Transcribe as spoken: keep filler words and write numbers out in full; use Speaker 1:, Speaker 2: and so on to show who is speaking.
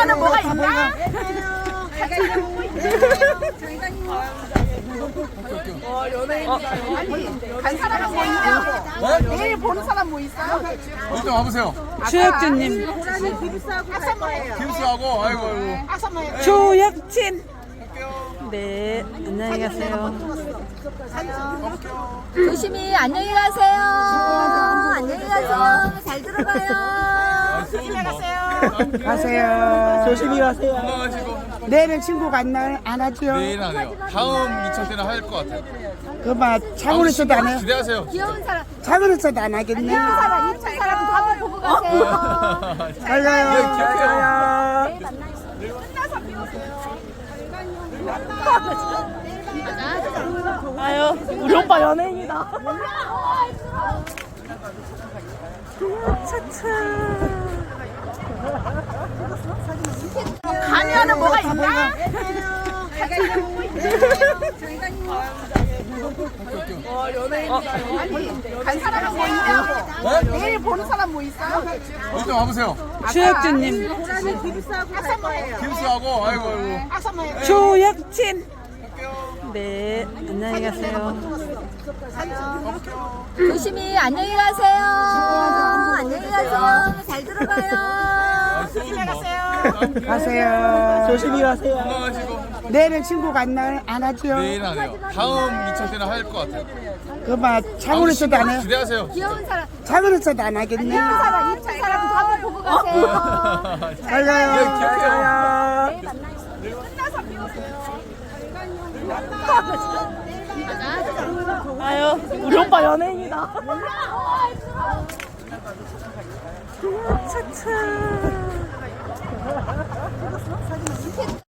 Speaker 1: 가면은 뭐가 있나? 간 사람은 뭐 있냐? 내일 보는 사람 뭐 있어요?
Speaker 2: 일단 와보세요.
Speaker 3: 주혁준님,
Speaker 2: 김수하고 아이고 아이고.
Speaker 3: 조혁진. 네, 안녕히 가세요.
Speaker 4: 조심히 안녕히 가세요. 안녕히 가세요. 잘 들어가요.
Speaker 1: 조심히 가세요.
Speaker 3: 가세요. 조심히 가세요.
Speaker 2: 건강하시고.
Speaker 3: 내일은 친구가 안, 나, 안 하지요?
Speaker 2: 내일 안 해요. 다음 이 차 때는 할 것 같아요.
Speaker 3: 그만 차고로 있어도 안 해요?
Speaker 2: 기대하세요.
Speaker 4: 귀여운 사람,
Speaker 3: 차고로 있어도 안 하겠네.
Speaker 4: 귀여운 사람, 이쁜 사람 다 한번 보고 가세요.
Speaker 3: 잘 가요.
Speaker 2: 네, 기억해요.
Speaker 4: 내일 만나요.
Speaker 1: 아유, 우리 오빠 연예인이다. 가면은 뭐가 있나? 간 사람은 뭐 있냐? 내일 보는 사람 뭐 있어요?
Speaker 2: 일단 와보세요.
Speaker 3: 주혁준님,
Speaker 2: 김수하고 아이고 아이고.
Speaker 3: 조혁진. 네, 안녕히 가세요.
Speaker 4: 조심히 안녕히 가세요. 안녕히 가세요. 잘 들어가요.
Speaker 1: 조심히 가세요.
Speaker 3: 가세요. 조심히 가세요.
Speaker 2: 건강하시고.
Speaker 3: 내일은 친구가 안, 나, 안 하지요?
Speaker 2: 내일 안 해요. 다음 이 차 때는 할 것 같아요.
Speaker 3: 그만 차고로 있어도 안 해요?
Speaker 2: 기대하세요.
Speaker 4: 귀여운 사람,
Speaker 3: 차고로 있어도 안 하겠네.
Speaker 4: 귀여운 사람, 이쁜 사람 다 한번 보고 가세요.
Speaker 3: 잘 가요.
Speaker 2: 네, 기억해요.
Speaker 4: 내일 만나요.
Speaker 1: 아유, 우리 오빠 연예인이다.
Speaker 3: 차차.